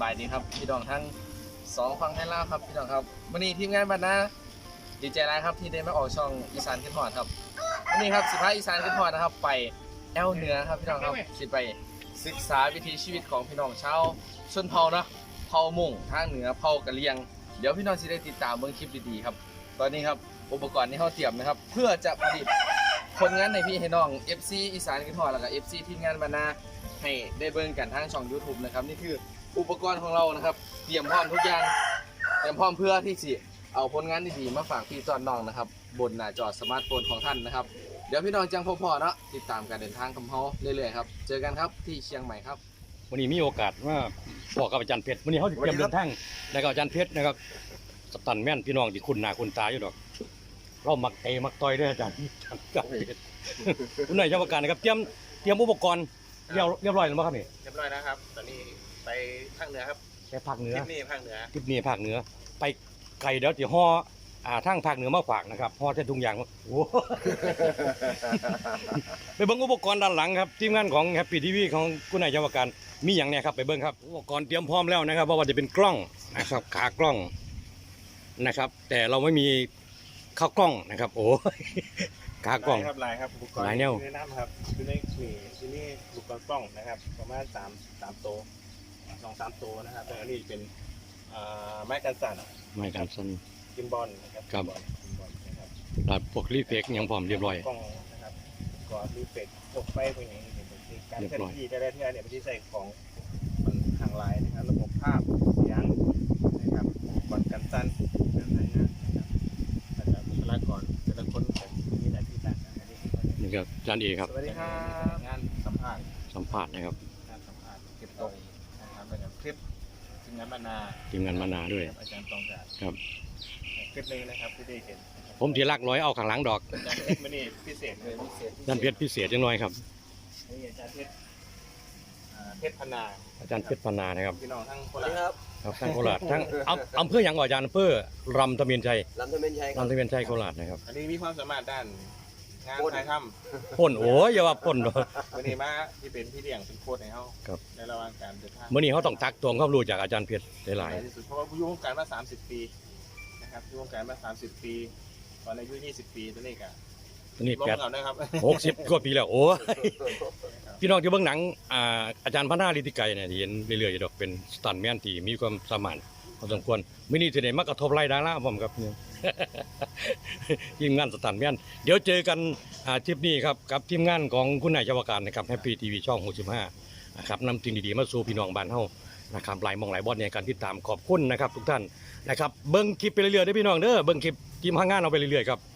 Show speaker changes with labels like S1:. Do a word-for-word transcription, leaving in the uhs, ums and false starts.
S1: บายดีครับพี่น้องทั้งสองฟังให้เล่าครับพี่น้องครับวันนี้ทีมงานบ้านนาดีใจร้ายครับที่ได้มาออกช่องอีสานขึ้นหอดครับวันนี้ครับสิพาอีสานขึ้นหอดนะครับไปแอลเหนือครับพี่น้องครับสิไปศึกษาวิถีชีวิตของพี่น้องชาวชนเผ่าเนาะเผ่ามุ่งทางเหนือเผ่ากะเหรี่ยงเดี๋ยวพี่น้องจะได้ติดตามเบื้องคลิปดีๆครับตอนนี้ครับอุปกรณ์ที่เขาเตรียมนะครับเพื่อจะผลิตผลงานในพี่ให้น้อง เอฟ ซี อีสานขึ้นหอดแล้วก็ เอฟ ซี ทีมงานบ้านนาให้ได้เบิ่งกันทางช่อง ยูทูบ นะครับนี่คืออุปกรณ์ของเรานะครับเตรียมพร้อมทุกอย่างเตรียมพร้อมเพื่อที่จะเอาผลงานดีๆมาฝากพี่จอนน้องนะครับบนหน้าจอสมาร์ทโฟนของท่านนะครับเดี๋ยวพี่น้องจังพบพอเนาะติดตามการเดินทางของเขาเรื่อยๆครับเจอกันครับที่เชียงใหม่ครับ
S2: วันนี้มีโอกาสว่าบอกกับอาจารย์เพชรวันนี้เขาจะเตรียมเดินทางแล้วก็อาจารย์เพชรนะครับสตันแม่นพี่น้องที่คุณหน้าคุณตาอยู่ดอกเรามักเตะมักต่อยด้วยอาจารย์อาจารย์เพชรคุณนายเจ้าประการนะครับเตรียมเตรียมอุปกรณ์เรียบเรียบร้อยแล้วมั้งครับนี่
S3: เรียบร้อยนะครับตอนนี้ไปภาคเหนือครับ
S2: ไปภาคเหนือ
S3: ทริปนี้ภาคเหนือ
S2: ทริปนี้ภาคเหนือไปไกลเดี๋ยวจะห่ออ่าทางภาคเหนือมาฝากนะครับห่อเส้นทุงยางโอ้ไปเบิ่งอุปกรณ์ด้านหลังครับทีมงานของแฮปปี้ทีวีของคุณนายเจ้าประการมีอย่างเนี้ยครับไปเบิ่งครับอุปกรณ์เตรียมพร้อมแล้วนะครับเพราะว่าจะเป็นกล้องนะครับขากล้องนะครับแต่เราไม่มีข้าวกล้องนะครับโอ้ขากล้อง
S3: ครับลายครับอุปกรณ์
S2: ลายแนว
S3: แนะนำครับคือในนี่ที่นี่อุปกรณ์กล้องนะครับประมาณสามสามโตสองสามโตนะครับแต่อันนี้เป็นไม้กันสั่น
S2: ไม่การสั้น
S3: กิมบอลนะครับ
S2: ครับ
S3: กิมบอลนะครับ
S2: ตัดพวกรีเฟกยังพร้อมเรียบร้อย
S3: กล้องนะครับก่อนรีเฟกตกไฟพวกนี้เป็นการ
S2: เรียบ
S3: เคลื่อน
S2: ร้อย
S3: ที่ได้ที่เนี่ยเป็นที่ใส่ของมันทางไลน์นะครับระบบภาพเสียงนะครับอุปกรณ์กันสั่นการใช้งานนะครับแต่ละบุคลากรแต่ละคนมีหน้าที่ต่างกันอันนี้
S2: นี่ครับอาจารย์เอครับ
S3: สวัสดีครับงานสัมภาษณ์
S2: สัมภาษณ์นะครับ
S3: งานสัมภาษณ์เก็บตกนะครับเป็นคลิปทีมงานบรรณา
S2: ทีมงานมานาด้วย
S3: อาจารย์ตองจาก
S2: ครับ
S3: คลิปหนึงนะครับที่ได้เห็นนะครับ
S2: ผมที่ลักร้อยเอาข้างหลังดอก
S3: อาจารย์เพชรมันนี่พิเศษเลยพิเศษ
S2: อาจารย์เพชรพิเศษจังน้อยครับ
S3: นี่อาจารย์เพชรอ่าเพชรพนา
S2: อาจารย์เพชรพนานะครับ
S3: พี่น้องทั้งโคราชครับ
S2: ครับทั้งโคราชทั้งอำอำเภออย่างก่อนอาจารย์อำเภอรำตะเมียนชัย
S4: ลำตะเมนชัยครับ
S2: รำตะเมียนชัยโคราชนะครับ
S3: อันนี้มีความสามารถด้านงานถ่ายท
S2: พ่นโอ้ยอย่าว่าพ่น
S3: ำวันนี้มาที่เป็นพี่เลี้ยงเป็นโค้ชในเขา
S2: ครับ
S3: ในระหว่างการเดินทาง
S2: เมื่อนี้เขาต้องตักตวงความรู้จากอาจารย์เพชรหลาย
S3: ที่สุดเพราะว่าผู้อยู่วงการมาสามสิบปีนะครับอยู่วงการมาสามสิบปีตอนอายุยี่สิบปีตอนนี้ก็
S2: ๆตัวนี้
S3: ลง
S2: แปด
S3: เอานะครับ
S2: หกสิบกว่าปีแล้วโอ้ยพี่น้องที่เบื้องหนังอ่าอาจารย์พนาลิติไกรเนี่ยที่เห็นเรื่อยๆอยู่ดอกเป็นสตันแมนที่มีความสามารถพอสมควรมื่อนี้จะได้มากระทบไล่ดาราผมครับเนี่ย ทีมงานสตันแมนเดี๋ยวเจอกันอ่าทริปนี้ครับกับทีมงานของคุณนายเจ้าประการนะครับแฮปปี้ทีวีช่องหกสิบห้านะครับนำสิ่งดีๆมาสู่พี่น้องบ้านเฮานะครับหลายหมองหลายบอสในการติดตามขอบคุณนะครับทุกท่านนะครับเบิ้งคลิปไปเรื่อยๆเด้อพี่น้องเด้อเบิ้งคลิปทีมห้างงานเอาไปเรื่อยๆครับ